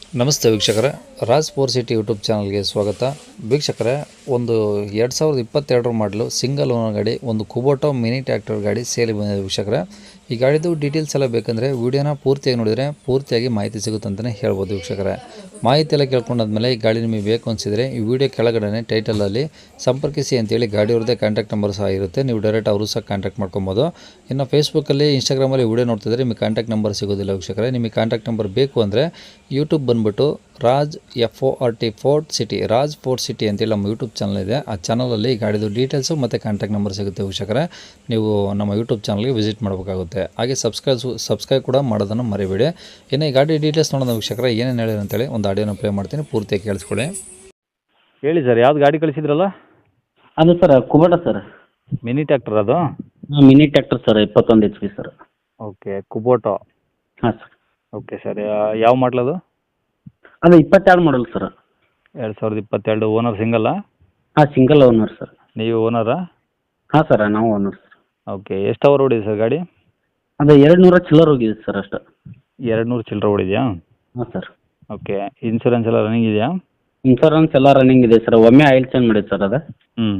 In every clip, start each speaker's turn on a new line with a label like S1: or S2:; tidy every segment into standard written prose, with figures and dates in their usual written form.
S1: ನಮಸ್ತೆ ವೀಕ್ಷಕರೇ, Raj four city YouTube ಚಾನಲ್ಗೆ ಸ್ವಾಗತ. ವೀಕ್ಷಕರೇ, ಒಂದು 2022 ಮಾಡಲು ಸಿಂಗಲ್ ಓನರ್ ಗಾಡಿ, ಒಂದು ಕುಬೋಟೋ ಮಿನಿ ಟ್ರ್ಯಾಕ್ಟರ್ ಗಾಡಿ ಸೇಲ್ ಬಂದಿದೆ ವೀಕ್ಷಕರೇ. ಈ ಗಾಡಿದು ಡೀಟೇಲ್ಸ್ ಎಲ್ಲ ಬೇಕಂದರೆ ವೀಡಿಯೋನ ಪೂರ್ತಿಯಾಗಿ ನೋಡಿದರೆ ಪೂರ್ತಿಯಾಗಿ ಮಾಹಿತಿ ಸಿಗುತ್ತೆ ಅಂತಲೇ ಹೇಳ್ಬೋದು ವೀಕ್ಷಕರೇ. ಮಾಹಿತಿ ಎಲ್ಲ ಕೇಳ್ಕೊಂಡಾದ್ಮೇಲೆ ಈ ಗಾಡಿ ನಿಮಗೆ ಬೇಕು ಅನಿಸಿದರೆ ಈ ವಿಡಿಯೋ ಕೆಳಗಡೆ ಟೈಟಲಲ್ಲಿ ಸಂಪರ್ಕಿಸಿ ಅಂತೇಳಿ ಗಾಡಿಯವ್ರದ್ದೇ ಕಾಂಟ್ಯಾಕ್ಟ್ ನಂಬರ್ ಸಹ ಇರುತ್ತೆ. ನೀವು ಡೈರೆಕ್ಟ್ ಅವರು ಸಹ ಕಾಂಟ್ಯಾಕ್ಟ್ ಮಾಡ್ಕೊಬೋದು. ಇನ್ನು ಫೇಸ್ಬುಕ್ಕಲ್ಲಿ, ಇನ್ಸ್ಟಾಗ್ರಾಮಲ್ಲಿ ವಿಡಿಯೋ ನೋಡ್ತಿದ್ರೆ ನಿಮಗೆ ಕಾಂಟ್ಯಾಕ್ಟ್ ನಂಬರ್ ಸಿಗೋದಿಲ್ಲ ವೀಕ್ಷಕರೇ. ನಿಮಗೆ ಕಾಂಟ್ಯಾಕ್ಟ್ ನಂಬರ್ ಬೇಕು ಅಂದರೆ ಯೂಟ್ಯೂಬ್ ಬಂದುಬಿಟ್ಟು ರಾಜ್ ಫೋರ್ಟ್ ಸಿಟಿ ಅಂತೇಳಿ ನಮ್ಮ ಯೂಟ್ಯೂಬ್ ಚಾನಲ್ ಇದೆ. ಆ ಚಾನಲಲ್ಲಿ ಗಾಡಿದು ಡೀಟೇಲ್ಸು ಮತ್ತು ಕಾಂಟ್ಯಾಕ್ಟ್ ನಂಬರ್ ಸಿಗುತ್ತೆ ವೀಕ್ಷಕರೇ. ನೀವು ನಮ್ಮ ಯೂಟ್ಯೂಬ್ ಚಾನಲ್ಗೆ ವಿಸಿಟ್ ಮಾಡಬೇಕಾಗುತ್ತೆ. ಹಾಗೆ ಸಬ್ಸ್ಕ್ರೈಬ್ ಕೂಡ ಮಾಡೋದನ್ನು ಮರಿಬೇಡಿ. ಇನ್ನು ಈ ಗಾಡಿ ಡೀಟೇಲ್ಸ್ ನೋಡೋಣ ವೀಕ್ಷಕರೇ, ಏನೇನು ಹೇಳಿದ್ರು ಅಂತೇಳಿ ಒಂದು ಆಡಿಯೋನ ಪ್ಲೇ ಮಾಡ್ತೀನಿ, ಪೂರ್ತಿಯಾಗಿ ಕೇಳಿಸ್ಕೊಳ್ಳಿ.
S2: ಹೇಳಿ ಸರ್, ಯಾವ್ದು ಗಾಡಿ ಕಳಿಸಿದ್ರಲ್ಲ?
S3: ಅದು sir Kubota sir.
S2: Mini tractor ಅದು?
S3: Mini tractor sir, 21 HP sir.
S2: Okay, Kubota.
S3: ಹಾಂ ಸರ್.
S2: ಓಕೆ ಸರ್, ಯಾವ ಮಾಡಲದು?
S3: ಅದು 22 ಮಾಡಲ್ ಸರ್.
S2: 2022. ಓನರ್ ಸಿಂಗಲ್ಲ?
S3: ಹಾಂ, ಸಿಂಗಲ್ ಓನರ್ ಸರ್.
S2: ನೀವು ಓನರಾ?
S3: ಹಾಂ ಸರ್, ನಾವು ಓನರ್ ಸರ್.
S2: ಓಕೆ, ಎಷ್ಟು ಅವರ್ ಓಡಿದೆ ಸರ್ ಗಾಡಿ?
S3: ಅದು 200 ಚಿಲ್ಲರ್ ಹೋಗಿದೆ ಸರ್ ಅಷ್ಟು.
S2: 200 ಚಿಲ್ಲರೆ ಓಡಿದೆಯಾ?
S3: ಹಾಂ ಸರ್.
S2: ಓಕೆ, ಇನ್ಶೂರೆನ್ಸ್ ಎಲ್ಲ ರನ್ನಿಂಗ್ ಇದೆಯಾ?
S3: ಇನ್ಶೂರೆನ್ಸ್ ಎಲ್ಲ ರನ್ನಿಂಗ್ ಇದೆ ಸರ್. ಒಮ್ಮೆ ಆಯಿಲ್ ಚೇಂಜ್ ಮಾಡಿದೆ ಸರ್ ಅದು.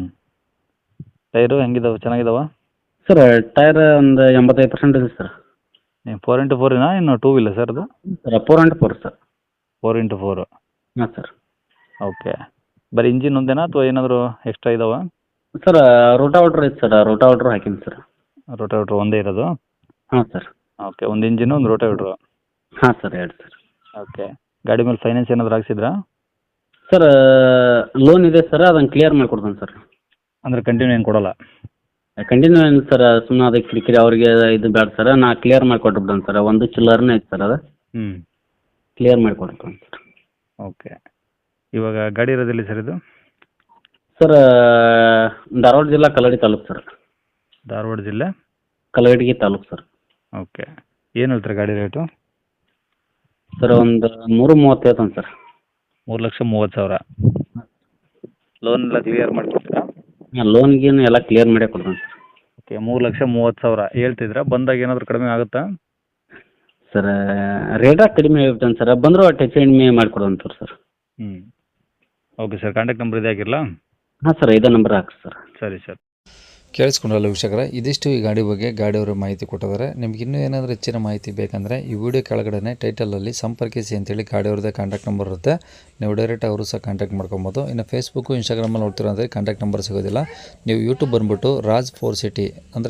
S2: ಟೈರು ಹೆಂಗಿದಾವೆ, ಚೆನ್ನಾಗಿದಾವ?
S3: ಸರ್ ಟೈರ್ ಒಂದು 85% ಇದೆ ಸರ್.
S2: 4x4 ಇನ್ನು 2 ವೀಲರ್ ಸರ್ ಅದು?
S3: Sir 4x4 sir.
S2: 4x4.
S3: ಹಾಂ ಸರ್.
S2: ಓಕೆ, ಬರೀ ಇಂಜಿನ್ ಒಂದೇನಾ ಅಥವಾ ಏನಾದರೂ ಎಕ್ಸ್ಟ್ರಾ ಇದಾವಾ?
S3: ಸರ್ ರೋಟಾವೇಟ್ರ್ ಐತೆ ಸರ್, ರೋಟಾವೇಟ್ರ್ ಹಾಕೀನಿ ಸರ್.
S2: ರೋಟಾವೇಟ್ರ್ ಒಂದೇ ಇರೋದು?
S3: ಹಾಂ ಸರ್.
S2: ಓಕೆ, ಒಂದು ಇಂಜಿನು, ಒಂದು ರೋಟಾವೇಟ್ರು.
S3: ಹಾಂ ಸರ್, 2 ಸರ್.
S2: ಓಕೆ, ಗಾಡಿ ಮೇಲೆ ಫೈನಾನ್ಸ್ ಏನಾದರೂ ಹಾಕ್ಸಿದ್ರಾ?
S3: ಸರ್ ಲೋನ್ ಇದೆ ಸರ್, ಅದನ್ನು ಕ್ಲಿಯರ್ ಮಾಡಿಕೊಡ್ತಾನೆ ಸರ್.
S2: ಅಂದರೆ ಕಂಟಿನ್ಯೂ ಏನು ಕೊಡೋಲ್ಲ?
S3: ಕಂಟಿನ್ಯೂ ಏನು ಸರ್, ಸುಮ್ಮನೆ ಅದಕ್ಕೆ ಕಿರಿಕಿರಿ ಅವ್ರಿಗೆ ಇದು ಬೇಡ ಸರ್, ನಾ ಕ್ಲಿಯರ್ ಮಾಡಿಕೊಟ್ಬಿಡ್ತೇನೆ ಸರ್. ಒಂದು ಚಿಲ್ಲರ್ನೇ ಐತೆ ಸರ್, ಅದು ಕ್ಲಿಯರ್ ಮಾಡಿಕೊಡ್ತೇನೆ ಸರ್.
S2: ಓಕೆ, ಇವಾಗ ಗಾಡಿ ಇರೋದಿಲ್ಲ ಸರ್ ಇದು?
S3: ಸರ್ ಧಾರವಾಡ ಜಿಲ್ಲಾ ಕಲ್ಲಡಿ ತಾಲೂಕು ಸರ್.
S2: ಧಾರವಾಡ ಜಿಲ್ಲೆ
S3: ಕಲ್ಲಗಡಿಗೆ ತಾಲೂಕು ಸರ್.
S2: ಓಕೆ, ಏನು ಹೇಳ್ತಾರೆ ಗಾಡಿ ರೇಟು?
S3: ಸರ್ ಒಂದು 330 ಹೇಳ್ತಾನೆ ಸರ್.
S2: 3,30,000. ಲೋನ್ ಎಲ್ಲ ಕ್ಲಿಯರ್ ಮಾಡಿಕೊಡ್ತೀರಾ?
S3: ಲೋನ್ ಗೀನ್ ಎಲ್ಲ ಕ್ಲಿಯರ್ ಮಾಡೇ ಕೊಡ್ತಾನೆ ಸರ್.
S2: ಓಕೆ, 3,30,000 ಹೇಳ್ತಿದ್ರಾ? ಬಂದಾಗ ಏನಾದರೂ ಕಡಿಮೆ ಆಗುತ್ತಾ?
S3: ಸರ್ ರೇಟಾಗಿ ಕಡಿಮೆ ಹೇಳ್ತಾನೆ ಸರ್, ಬಂದರೂ ಅಷ್ಟು ಹೆಚ್ಚು ಕಡಿಮೆ ಮಾಡಿಕೊಡೋಂತ sir.
S2: Okay sir, contact number ಇದೆ ಆಗಿರಲ್ಲ?
S3: ಹಾಂ ಸರ್, ಇದೇ ನಂಬರ್ ಹಾಕಿ ಸರ್.
S2: ಸರಿ ಸರ್.
S1: ಕೇಳಿಸ್ಕೊಂಡ್ರಲ್ಲ ವೀಕ್ಷಕರೇ, ಇದಿಷ್ಟು ಈ ಗಾಡಿ ಬಗ್ಗೆ ಗಾಡಿಯವರು ಮಾಹಿತಿ ಕೊಟ್ಟಿದ್ದಾರೆ. ನಿಮ್ಗೆ ಇನ್ನೂ ಏನಾದರೂ ಹೆಚ್ಚಿನ ಮಾಹಿತಿ ಬೇಕಂದರೆ ಈ ವಿಡಿಯೋ ಕೆಳಗಡೆ ಟೈಟಲಲ್ಲಿ ಸಂಪರ್ಕಿಸಿ ಅಂತೇಳಿ ಗಾಡಿಯವ್ರದ್ದೇ ಕಾಂಟ್ಯಾಕ್ಟ್ ನಂಬರ್ ಇರುತ್ತೆ. ನೀವು ಡೈರೆಕ್ಟ್ ಅವರು ಸಹ ಕಾಂಟ್ಯಾಕ್ಟ್ ಮಾಡ್ಕೊಬೋದು. ಇನ್ನು ಫೇಸ್ಬುಕ್ಕು, ಇನ್ಸ್ಟಾಗ್ರಾಮಲ್ಲಿ ನೋಡ್ತೀರ ಅಂದರೆ ಕಾಂಟ್ಯಾಕ್ಟ್ ನಂಬರ್ ಸಿಗೋದಿಲ್ಲ. ನೀವು ಯೂಟ್ಯೂಬ್ ಬಂದುಬಿಟ್ಟು ರಾಜ್ ಫೋರ್ಟ್ ಸಿಟಿ ಅಂದರೆ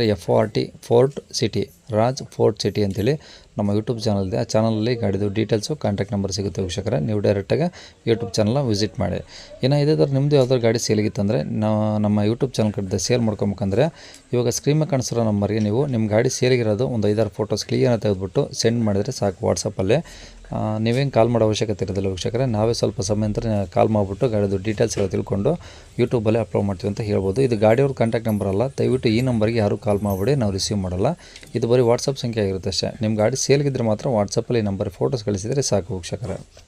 S1: ರಾಜ್ ಫೋರ್ಟ್ ಸಿಟಿ ಅಂತೇಳಿ ನಮ್ಮ ಯೂಟ್ಯೂಬ್ ಚಾನಲ್ ಇದೆ. ಆ ಚಾನಲಲ್ಲಿ ಗಾಡಿದು ಡೀಟೇಲ್ಸು, ಕಾಂಟ್ಯಾಕ್ಟ್ ನಂಬರ್ ಸಿಗುತ್ತೆ ವೀಕ್ಷಕರೇ. ನೀವು ಡೈರೆಕ್ಟಾಗಿ ಯೂಟ್ಯೂಬ್ ಚಾನಲ್ನ ವಿಸಿಟ್ ಮಾಡಿ. ಇನ್ನು ಇದೇ ಥರ ನಿಮ್ಮದು ಯಾವ್ದಾದ್ರು ಗಾಡಿ ಸೇಲಿಗಿತ್ತಂದರೆ ನಮ್ಮ ಯೂಟ್ಯೂಬ್ ಚಾನಲ್ ಕಡೆ ಸೇಲ್ ಮಾಡ್ಕೊಬೇಕಂದ್ರೆ ಇವಾಗ ಸ್ಕ್ರೀನ್ ಮೇಲೆ ಕಾಣಿಸಿರೋ ನಂಬರ್ಗೆ ನೀವು ನಿಮ್ಮ ಗಾಡಿ ಸೇಲಿಗಿರೋದು ಒಂದು 5-6 ಫೋಟೋಸ್ ಕ್ಲಿಯರ್ನ ತೆಗೆದುಬಿಟ್ಟು ಸೆಂಡ್ ಮಾಡಿದರೆ ಸಾಕು ವಾಟ್ಸಪ್ಪಲ್ಲಿ. ನೀವೇನು ಕಾಲ್ ಮಾಡೋ ಅವಶ್ಯಕತೆ ಇರೋದಿಲ್ಲ ವೀಕ್ಷಕರೇ. ನಾವೇ ಸ್ವಲ್ಪ ಸಮಯ ನಂತರ ಕಾಲ್ ಮಾಡಿಬಿಟ್ಟು ಗಾಡಿದು ಡೀಟೇಲ್ಸ್ ಎಲ್ಲ ತಿಳ್ಕೊಂಡು ಯೂಟ್ಯೂಬಲ್ಲೇ ಅಪ್ಲೋಡ್ ಮಾಡ್ತೀವಿ ಅಂತ ಹೇಳ್ಬೋದು. ಇದು ಗಾಡಿಯವ್ರ ಕಾಂಟ್ಯಾಕ್ಟ್ ನಂಬರ್ ಅಲ್ಲ, ದಯವಿಟ್ಟು ಈ ನಂಬರ್ಗೆ ಯಾರೂ ಕಾಲ್ ಮಾಡಿಬಿಡಿ, ನಾವು ರಿಸೀವ್ ಮಾಡಲ್ಲ. ಇದು ಬರೀ ವಾಟ್ಸಪ್ ಸಂಖ್ಯೆ ಆಗಿರುತ್ತೆ ಅಷ್ಟೇ. ನಿಮ್ಮ ಗಾಡಿ ಸೇಲ್ಗಿದ್ರೆ ಮಾತ್ರ ವಾಟ್ಸಪ್ಪಲ್ಲಿ ಈ ನಂಬರ್ ಫೋಟೋಸ್ ಕಳಿಸಿದರೆ ಸಾಕು ವೀಕ್ಷಕರೇ.